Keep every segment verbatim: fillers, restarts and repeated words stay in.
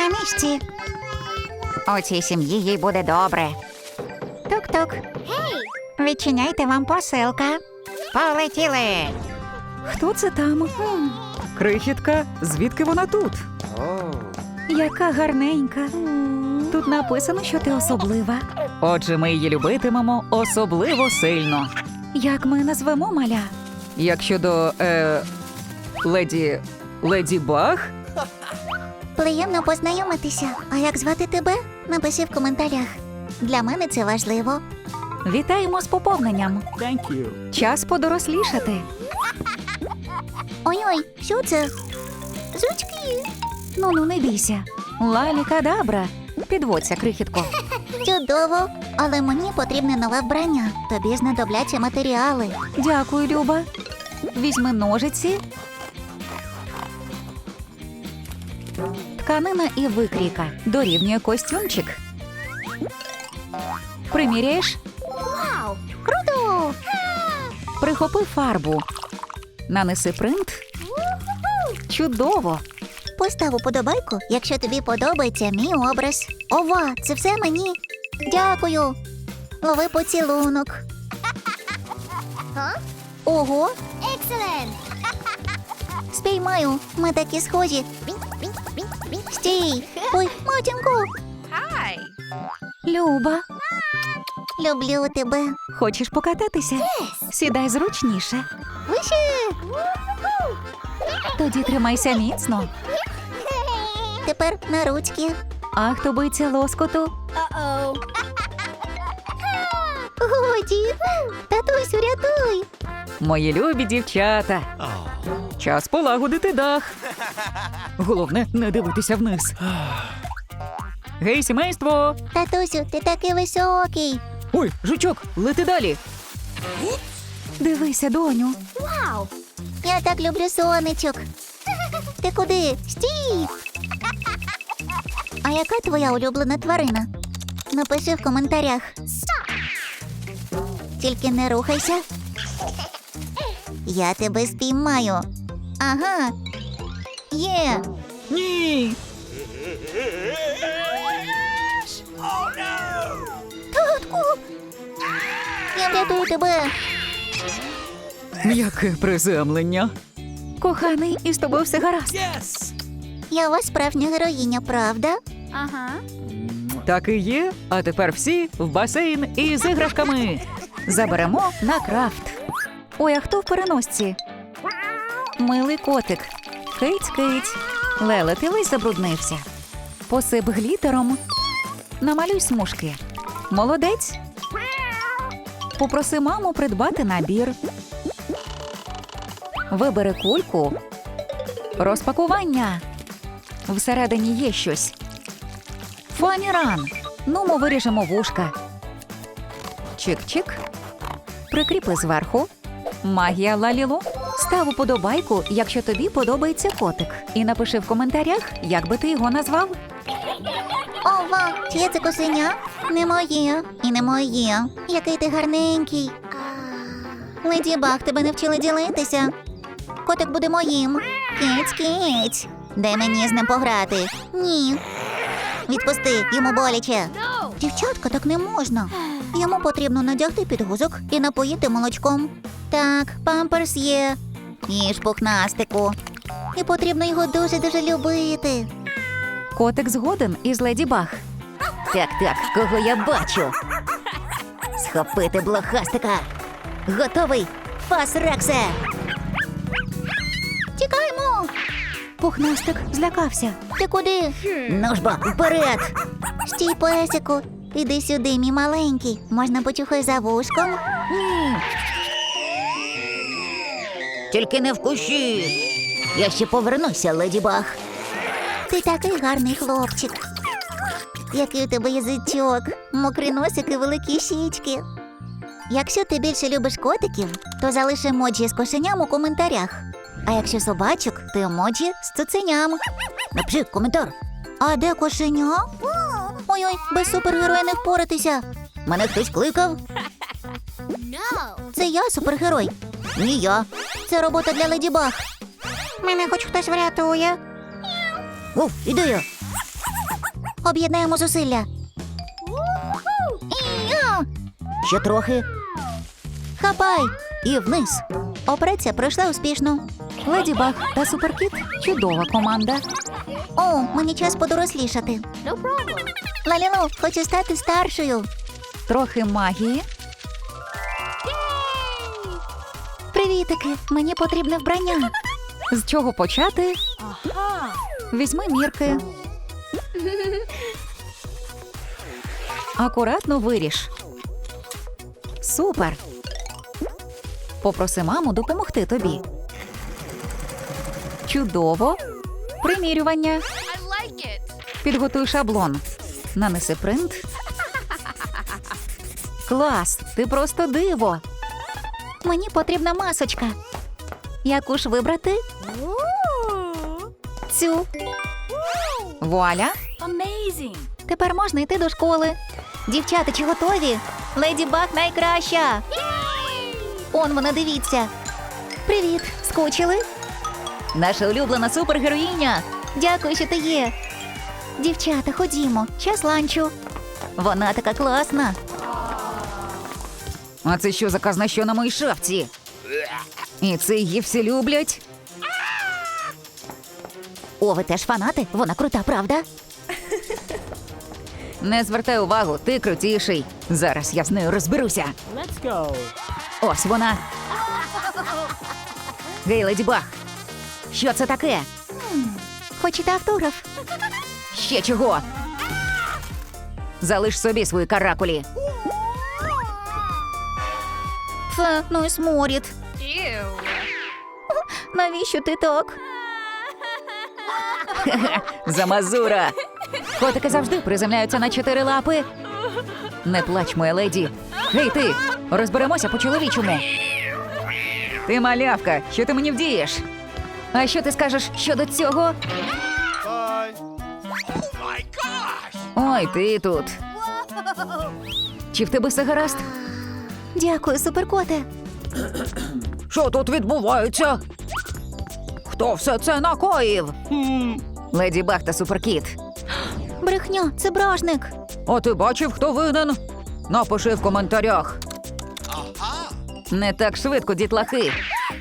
на місці. У цій сім'ї їй буде добре. Тук-тук. Відчиняйте, вам посилка. Полетіли. Хто це там? Крихітка, звідки вона тут? Яка гарненька. Тут написано, що ти особлива. Отже, ми її любитимемо особливо сильно. Як ми назвемо маля? Як щодо, е, леді... Леді Баг? Приємно познайомитися. А як звати тебе? Напиши в коментарях. Для мене це важливо. Вітаємо з поповненням. Thank you. Час подорослішати. Ой-ой, що це? Жучки. Ну-ну, не бійся. Лалі-кадабра. Підводься, крихітко. Чудово. Але мені потрібне нове вбрання. Тобі знадобляться матеріали. Дякую, Люба. Візьми ножиці. Тканина і викрійка. Дорівнює костюмчик. Приміряєш? Вау! Круто! Прихопи фарбу. Нанеси принт. Чудово! Постав уподобайку, якщо тобі подобається мій образ. Ова, це все мені. Дякую. Лови поцілунок. Ого. Excellent. Спіймаю. Ми такі схожі. Стій. Ой, матінко. Люба, Люблю тебе. хочеш покататися? Сідай зручніше. Вище. Тоді тримайся міцно. Тепер на ручки. А хто боїться лоскоту? Годі. Татусю, рятуй. Мої любі дівчата. Час полагодити дах. Головне, не дивитися вниз. Гей, сімейство! Татусю, ти такий високий. Ой, жучок, лети далі. Дивися, доню. Я так люблю сонечок. Ти куди? Стій! А яка твоя улюблена тварина? Напиши в коментарях. Тільки не рухайся. Я тебе спіймаю. Ага. Є. Ні. Татку! Я врятую тебе. Яке приземлення. Коханий, із тобою все гаразд. Yes! Я у вас справжня героїня, правда? Так і є. А тепер всі в басейн із іграшками. Заберемо на крафт. Ой, а хто в переносці? Милий котик. Киць-киць. Леле, ти весь забруднився. Посип глітером. Намалюй смужки. Молодець. Попроси маму придбати набір. Вибери кульку. Розпакування. Всередині є щось. Фаніран. Ну, ми виріжемо вушка. Чик-чик. Прикріпи зверху. Магія Лалілу. Став уподобайку, якщо тобі подобається котик. І напиши в коментарях, як би ти його назвав. Ова, чиє це кошеня? Не моє. І не моє. Який ти гарненький. Леді Баг, тебе не вчили ділитися. Котик буде моїм. Киць-киць. Дай мені з ним пограти. Ні. Відпусти, йому боляче. Дівчатка, так не можна. Йому потрібно надягти підгузок і напоїти молочком. Так, памперс є. Їж пухнастику. І потрібно його дуже-дуже любити. Котик згоден із Леді Баг. Так-так, кого я бачу? Схопити блохастика. Готовий? Фас, Рексе! Тікаємо! Пухнастик злякався. Ти куди? Ну ж бо, вперед! Стій, песику. Іди сюди, мій маленький. Можна почухай за вушком? Ні. Тільки не вкуши. Я ще повернуся, Леді Баг. Ти такий гарний хлопчик. Який у тебе язичок, мокрий носик і великі щічки. Якщо ти більше любиш котиків, то залиш емоджі з кошеням у коментарях. А якщо собачок, то емоджі з цуценям. Напиши коментар. А де кошеня? Ой-ой, без супергероя не впоратися. Мене хтось кликав? Це я супергерой. Ні я. Це робота для Леді Баг. Мене хоч хтось врятує. О, іду я. Об'єднаємо зусилля. І-я! Ще трохи. Хапай! І вниз. Операція пройшла успішно. Леді Баг та Суперкіт – чудова команда. О, мені час подорослішати. Лалілу, хочу стати старшою. Трохи магії. Привітики, мені потрібне вбрання. З чого почати? Візьми мірки. Акуратно виріж. Супер! Попроси маму допомогти тобі. Чудово! Примірювання. Підготуй шаблон. Нанеси принт. Клас! Ти просто диво! Мені потрібна масочка. Яку ж вибрати? Цю. Вуаля! Тепер можна йти до школи. Дівчата, чи готові? Леді Баг найкраща. Он вона, дивіться. Привіт, скучили? Наша улюблена супергероїня! Дякую, що ти є. Дівчата, ходімо, час ланчу. Вона така класна. А це що за казна, що на моїй шапці? І це її всі люблять? О, ви теж фанати? Вона крута, правда? Не звертай увагу, ти крутіший. Зараз я з нею розберуся. Let's go. Ось вона. Гей, Леді Баг. Що це таке? Хочете автограф? Ще чого? Залиш собі свої каракулі. Фе, ну і сморід. Навіщо ти так? Замазура. Котики завжди приземляються на чотири лапи. Не плач, моя леді. Гей, ти, розберемося по-чоловічому. Ти малявка, що ти мені вдієш? А що ти скажеш щодо цього? Ой, ти тут. Чи в тебе все гаразд? Дякую, суперкоте. Що тут відбувається? Хто все це накоїв? Леді Баг та Суперкіт. Брехня, це бражник. А ти бачив, хто винен? Напиши в коментарях. Не так швидко, дітлахи.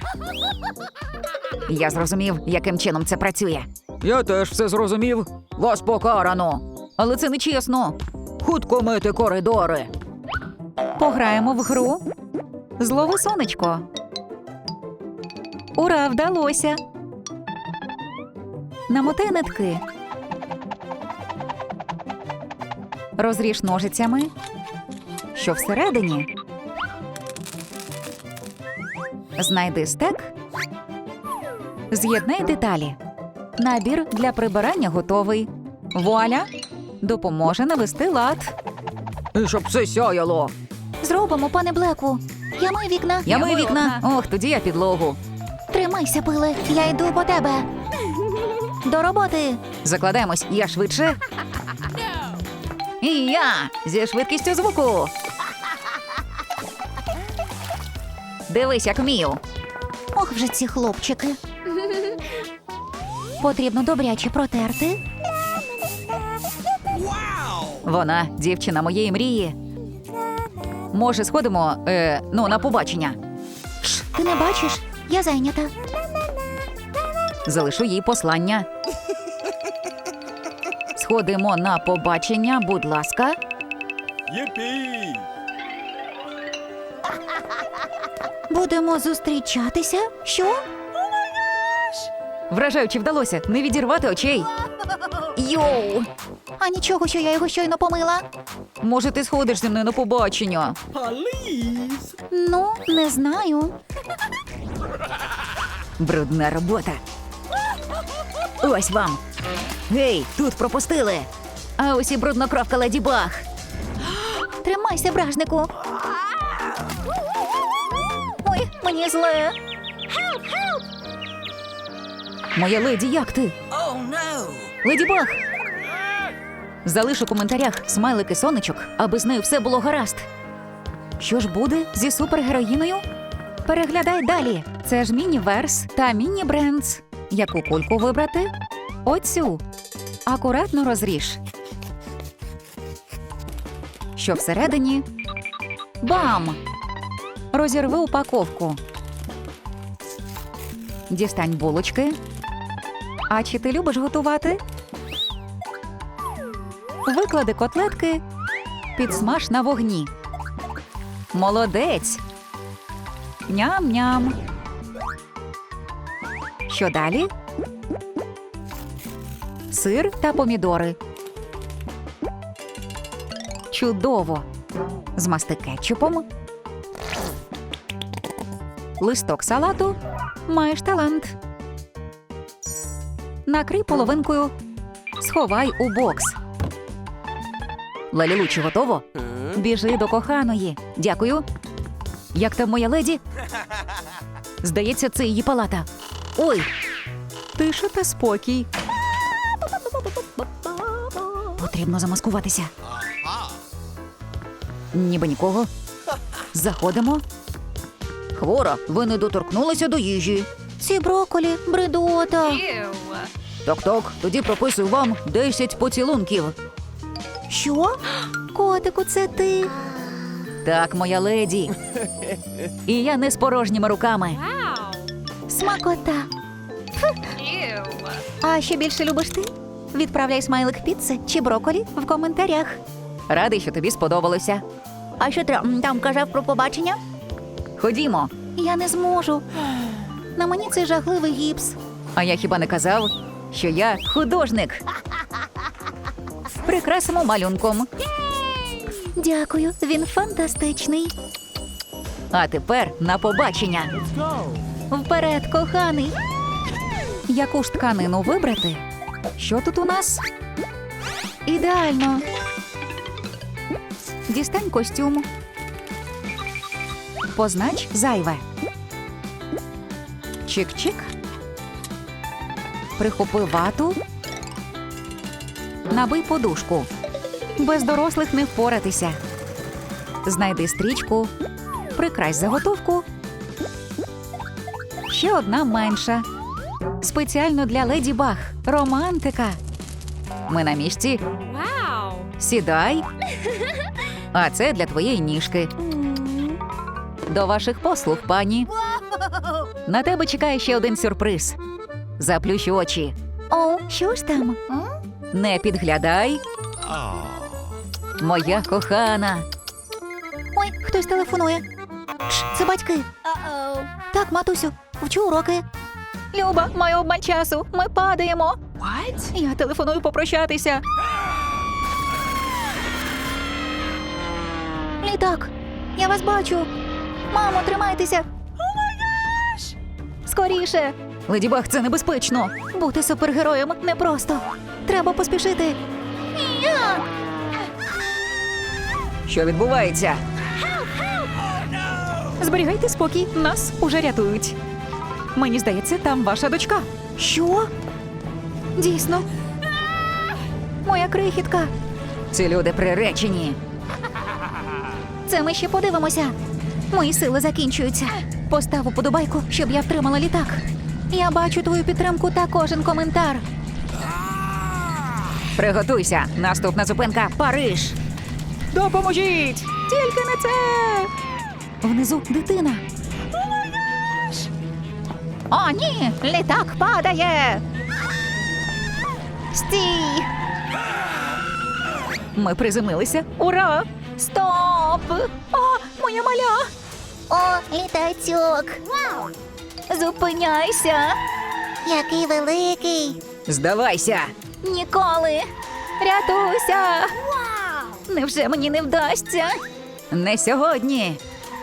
Я зрозумів, яким чином це працює. Я теж все зрозумів. Вас покарано. Але це не чесно. Хутко мити коридори. Пограємо в гру. Злови сонечко. Ура, вдалося. Намотай нитки. Розріж ножицями. Що всередині? Знайди стек. З'єднай деталі. Набір для прибирання готовий. Вуаля! Допоможе навести лад. І щоб все сяяло. Зробимо, пане Блеку. Я мию вікна. Я мию вікна. Ох, тоді я підлогу. Тримайся, пиле. Я йду по тебе. До роботи. Закладаємось, я швидше. І я зі швидкістю звуку. Дивись, як вмію. Ох, вже ці хлопчики. Потрібно добряче протерти. Вона дівчина моєї мрії. Може, сходимо, е, ну, на побачення. Шш, ти не бачиш? Я зайнята. Залишу їй послання. Сходимо на побачення, будь ласка. Yippee! Будемо зустрічатися? Що? Вражаючи вдалося не відірвати очей. Йоу! А нічого, що я його щойно помила? Може, ти сходиш зі мною на побачення? Police! Ну, не знаю. Брудна робота. Ось вам. Гей, тут пропустили. А ось і бруднокровка Леді Баг. Тримайся, бражнику. Ой, мені зле. Моя леді, як ти? Леді Баг! Залиш у коментарях смайлики сонечок, аби з нею все було гаразд. Що ж буде зі супергероїною? Переглядай далі. Це ж міні-верс та міні-брендс. Яку кульку вибрати? Оцю. Акуратно розріж. Що всередині? Бам! Розірви упаковку. Дістань булочки. А чи ти любиш готувати? Виклади котлетки, підсмаж на вогні. Молодець! Ням-ням! Що далі? Сир та помідори. Чудово! Змасти кетчупом. Листок салату. Маєш талант. Накрий половинкою. Сховай у бокс. Лалілу, чи готово? Біжи до коханої. Дякую. Як там моя леді? Здається, це її палата. Ой! Тиша та спокій. Потрібно замаскуватися. Ніби нікого. Заходимо. Хвора, ви не доторкнулися до їжі. Ці брокколі – бредота. Так-так, тоді прописую вам десять поцілунків. Що? Котику, це ти? Так, моя леді. І я не з порожніми руками. Смакота. А що більше любиш ти? Відправляй смайлик піци чи брокколі в коментарях. Радий, що тобі сподобалося. А що ти м, там казав про побачення? Ходімо. Я не зможу. На мені цей жахливий гіпс. А я хіба не казав, що я художник? Прикрасимо малюнком. Дякую, він фантастичний. А тепер на побачення. Go. Вперед, коханий. Яку ж тканину вибрати? Що тут у нас? Ідеально. Дістань костюм. Познач зайве. Чик-чик. Прихопи вату. Набий подушку. Без дорослих не впоратися. Знайди стрічку. Прикрась заготовку. Ще одна менша. Спеціально для Леді Баг. Романтика. Ми на місці. Сідай. А це для твоєї ніжки. До ваших послуг, пані. На тебе чекає ще один сюрприз. Заплющ очі. О, що ж там? Не підглядай. Моя кохана. Ой, хтось телефонує. Ш, це батьки. Так, матусю, вчу уроки. Люба, маю обмаль часу. Ми падаємо. Я телефоную попрощатися. Літак, я вас бачу. Мамо, тримайтеся. Скоріше. Леді Баг, це небезпечно. Бути супергероєм непросто. Треба поспішити. Я! Що відбувається? Зберігайте спокій, нас уже рятують. Мені здається, там ваша дочка. Що? Дійсно. Моя крихітка. Ці люди приречені. Це ми ще подивимося. Мої сили закінчуються. Постав уподобайку, щоб я втримала літак. Я бачу твою підтримку та кожен коментар. Приготуйся. Наступна зупинка – Париж. Допоможіть! Тільки не це! Внизу дитина. О, ні! Літак падає! Стій! Ми приземлилися. Ура! Стоп! О, моя маля! О, літачок! Зупиняйся! Який великий! Здавайся! Ніколи! Рятуйся! Невже мені не вдасться? Не сьогодні.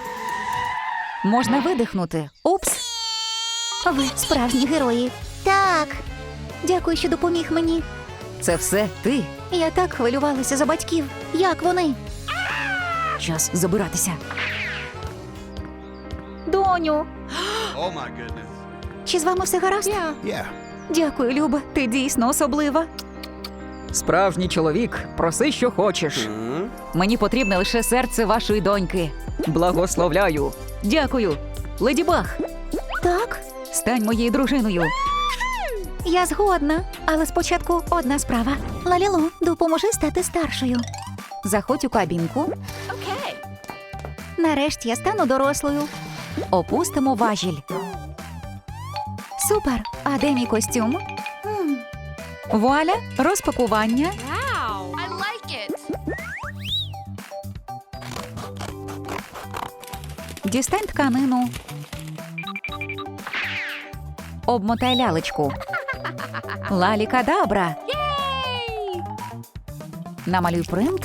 Можна видихнути. Упс. Ви справжні герої. Так. Дякую, що допоміг мені. Це все ти. Я так хвилювалася за батьків. Як вони? Час забиратися. Доню, Oh my goodness. чи з вами все гаразд? Yeah. Дякую, Люба. Ти дійсно особлива. Справжній чоловік. Проси, що хочеш. Мені потрібне лише серце вашої доньки. Благословляю. Дякую. Леді Баг, Так. стань моєю дружиною. Я згодна, але спочатку одна справа. Лалілу, допоможи стати старшою. Заходь у кабінку. Нарешті я стану дорослою. Опустимо важіль. Супер. А де мій костюм? Вуаля, розпакування. Дістань тканину. Обмотай лялечку. Лалі-кадабра. Намалюй принт.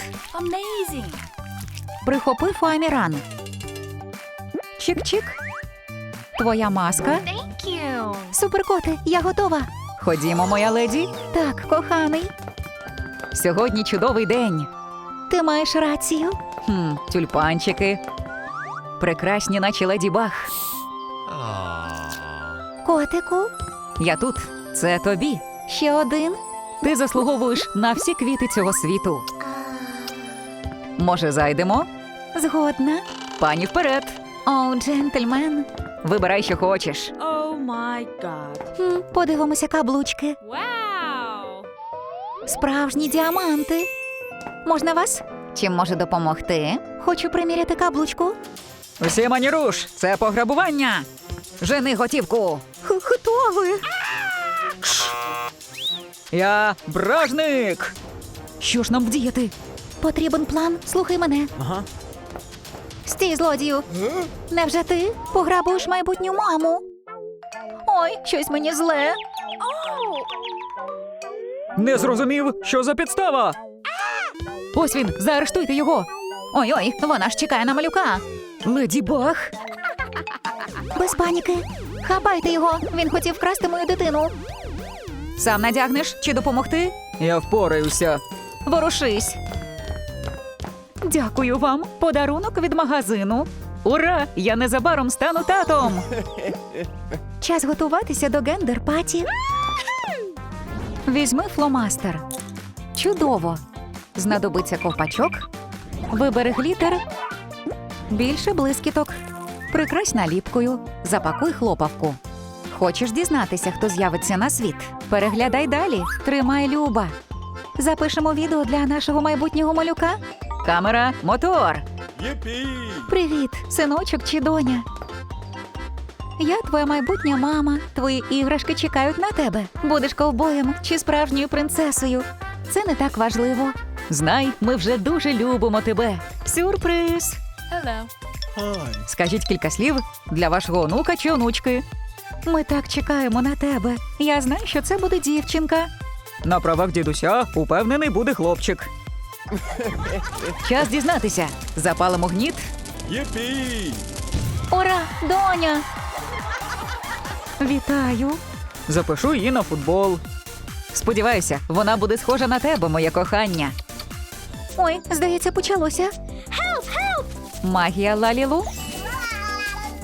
Прихопи фоаміран. Чик-чик. Твоя маска. Суперкоти, я готова. Ходімо, моя леді. Так, коханий. Сьогодні чудовий день. Ти маєш рацію. Хм, тюльпанчики. Прекрасні, наче леді Баг. Котику, Я тут. Це тобі. ще один. Ти заслуговуєш на всі квіти цього світу. Може, зайдемо? Згодна. Пані вперед. О, джентльмен. Вибирай, що хочеш. Oh my god. Хм, подивимося каблучки. Wow. Справжні діаманти. Можна вас? Чим можу допомогти? Хочу приміряти каблучку. Усі маніруш, це пограбування. Жени готівку. Х- Хто ви? Я бражник. Що ж нам вдіяти? Потрібен план. Слухай мене. Ага. Стій, злодію. Невже ти пограбуєш майбутню маму? Ой, щось мені зле. Не зрозумів, що за підстава. Ось він, заарештуйте його. Ой-ой, вона ж чекає на малюка. Леді Баг. Без паніки. Хапайте його. Він хотів вкрасти мою дитину. Сам надягнеш чи допомогти? Я впораюся. Ворушись. Дякую вам. Подарунок від магазину. Ура! Я незабаром стану татом. Час готуватися до гендер-паті. Візьми фломастер. Чудово. Знадобиться ковпачок. Вибери глітер. Більше блискіток. Прикрась наліпкою. Запакуй хлопавку. Хочеш дізнатися, хто з'явиться на світ? Переглядай далі. Тримай, Люба. Запишемо відео для нашого майбутнього малюка. Камера, мотор. Yippee! Привіт, синочок чи доня? Я твоя майбутня мама. Твої іграшки чекають на тебе. Будеш ковбоєм чи справжньою принцесою. Це не так важливо. Знай, ми вже дуже любимо тебе. Сюрприз! Hello. Hi. Скажіть кілька слів для вашого онука чи онучки. Ми так чекаємо на тебе. Я знаю, що це буде дівчинка. На правах дідуся упевнений буде хлопчик. Час дізнатися. Запалимо гніт. Yippee! Ура, доня! Вітаю. Запишу її на футбол. Сподіваюся, вона буде схожа на тебе, моє кохання. Ой, здається, почалося. Магія Лалілу.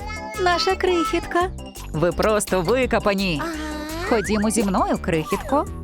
Наша крихітка. Ви просто викопані. Ходімо зі мною, крихітко.